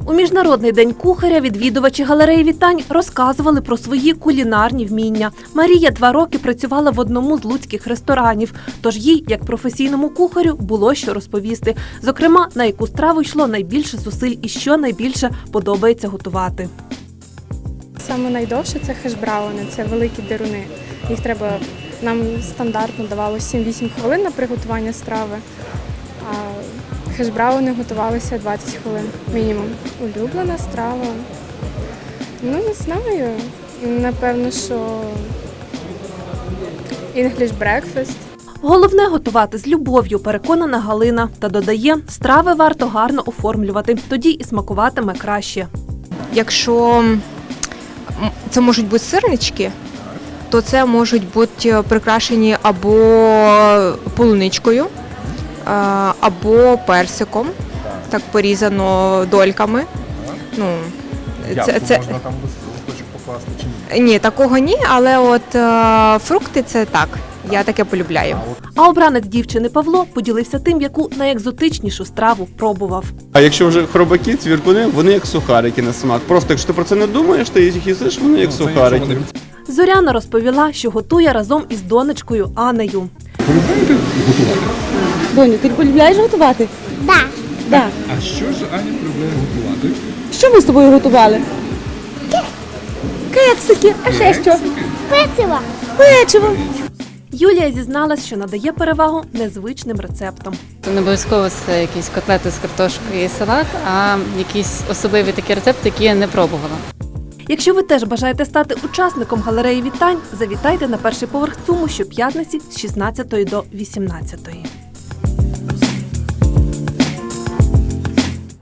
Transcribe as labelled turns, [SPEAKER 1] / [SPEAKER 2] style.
[SPEAKER 1] У Міжнародний день кухаря відвідувачі галереї вітань розказували про свої кулінарні вміння. Марія 2 роки працювала в одному з луцьких ресторанів, тож їй, як професійному кухарю, було що розповісти. Зокрема, на яку страву йшло найбільше зусиль і що найбільше подобається готувати.
[SPEAKER 2] Саме найдовше – це хеш-брауни, це великі деруни. Їх треба, нам стандартно давалося 7-8 хвилин на приготування страви, а хеш-брауни готувалися 20 хвилин мінімум. Улюблена страва? Ну, не знаю. Напевно, що English breakfast.
[SPEAKER 1] Головне – готувати з любов'ю, переконана Галина. Та додає, страви варто гарно оформлювати, тоді і смакуватиме краще.
[SPEAKER 3] Якщо це можуть бути сирнички, то це можуть бути прикрашені або полуничкою, або персиком, так порізано дольками. Ну,
[SPEAKER 4] Можна там листочок покласти чи ні?
[SPEAKER 3] Ні, такого ні, але от фрукти – це так, я таке полюбляю.
[SPEAKER 1] А обранець дівчини Павло поділився тим, яку найекзотичнішу страву пробував.
[SPEAKER 5] А якщо вже хробаки, цвіркуни, вони як сухарики на смак. Просто якщо ти про це не думаєш, ти їх їсиш, вони як сухарики.
[SPEAKER 1] Зоряна розповіла, що готує разом із донечкою Анею.
[SPEAKER 4] Полюбляєте готувати?
[SPEAKER 6] Доню, ти полюбляєш готувати?
[SPEAKER 7] Так.
[SPEAKER 6] Да.
[SPEAKER 4] А що ж Аня полюбляє готувати?
[SPEAKER 6] Що ми з тобою готували? Кексики. А ще що?
[SPEAKER 7] Пиво.
[SPEAKER 6] Печиво.
[SPEAKER 1] Юлія зізналась, що надає перевагу незвичним рецептам.
[SPEAKER 8] Не обов'язково це якісь котлети з картошкою і салат, а якісь особливі такі рецепти, які я не пробувала.
[SPEAKER 1] Якщо ви теж бажаєте стати учасником галереї вітань, завітайте на перший поверх ЦУМу щоп'ятниці з 16 до 18.